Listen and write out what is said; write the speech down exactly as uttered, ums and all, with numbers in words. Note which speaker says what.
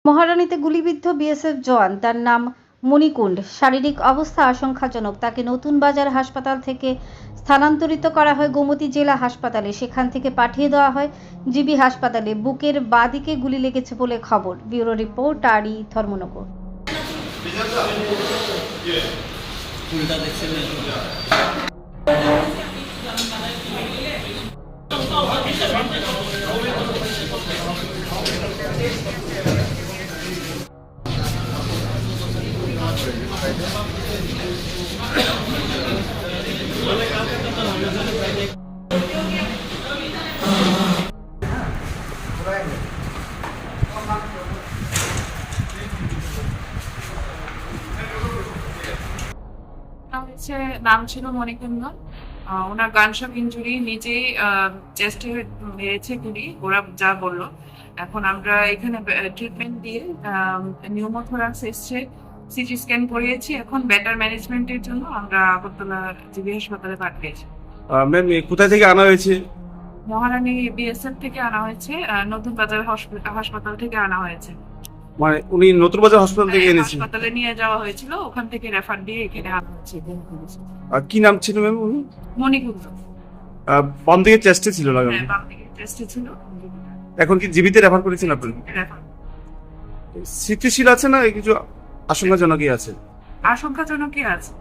Speaker 1: মহারানীতে গুলিবিদ্ধ বিএসএফ জওয়ান, তার নাম মণিকুণ্ড, শারীরিক অবস্থা আশঙ্কাজনক। তাকে নতুন বাজার হাসপাতাল থেকে স্থানান্তরিত করা হয় গোমতী জেলা হাসপাতালে। সেখান থেকে পাঠিয়ে দেওয়া হয় জিবি হাসপাতালে। বুকের বাঁ দিকে গুলি লেগেছে বলে খবর। ব্যুরো রিপোর্ট, আরই ধর্মনগর।
Speaker 2: হচ্ছে নাম ছিল মণিকুণ্ড। ওনার গানশপ ইঞ্জুরি, নিজেই চেস্টে মেরেছে গুলি, ওরা যা বললো। এখন আমরা এখানে ট্রিটমেন্ট দিয়ে নিউমোথোরাক্স এসছে, সিটি স্ক্যান করিয়েছি। এখন বেটার ম্যানেজমেন্টের জন্য আমরা আগরতলা জিবি হাসপাতালে পাঠিয়েছি।
Speaker 3: ম্যাম কোথায় থেকে আনা হয়েছে?
Speaker 2: মহারানী বিএসএফ থেকে আনা হয়েছে, নতুন বাজার হাসপাতাল থেকে আনা হয়েছে।
Speaker 3: মানে উনি নতুন বাজার হাসপাতাল থেকে এনেছেন?
Speaker 2: হাসপাতালে নিয়ে যাওয়া হয়েছিল, ওখান থেকে রেফার দিয়ে এখানে আনা হয়েছে।
Speaker 3: আর কি নাম ছিল ম্যাম উনি?
Speaker 2: মণিকুণ্ড।
Speaker 3: বাম দিকে চেস্টে ছিল লাগানো?
Speaker 2: হ্যাঁ, বাম দিকে চেস্টে ছিল।
Speaker 3: এখন কি জিবিতে রেফার করেছেন আপনি?
Speaker 2: রেফার।
Speaker 3: স্থিতিশীল আছে না কিছু আশঙ্কাজনকই আছে?
Speaker 2: আশঙ্কাজনকই আছে।